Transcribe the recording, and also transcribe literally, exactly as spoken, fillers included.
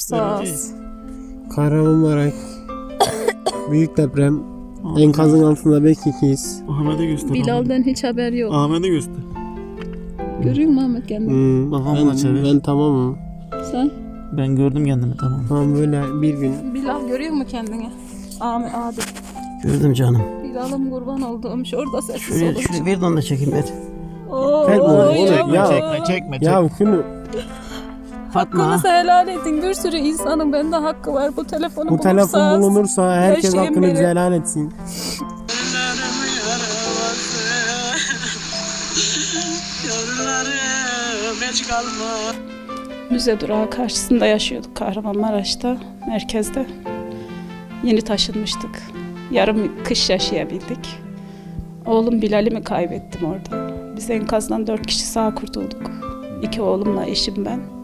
sağız. Kahramanmaraş. Büyük deprem. Enkazın altında belki ikiyiz. Ahmet'e göster. Bilal'den hiç haber yok. Ahmet'e göster. Görüyor musun Ahmet kendini? Hmm, Babamla ben, çevir. ben tamamım. Sen? Ben gördüm kendimi, tamam. Tamam böyle bir gün. Bilal görüyor musun kendini? Ahmet abi. Gördüm canım. Bilal'ım kurban olduğum şurada sessiz Şuraya, olur. şuraya ver de onu da çekeyim ver. Oo, Ver bunu, ya. oğlum, ya. Çekme çekme. Ya şunu Fatma. Hakkınızı helal edin. Bir sürü insanın bende hakkı var. Bu telefonu bu telefon bulursanız- bulunursa herkes yaşayın hakkını beni. helal etsin. Müze durağı karşısında yaşıyorduk Kahramanmaraş'ta, merkezde. Yeni taşınmıştık. Yarım kış yaşayabildik. Oğlum Bilal'imi kaybettim orada. Biz enkazdan dört kişi sağ kurtulduk. İki oğlumla eşim ben.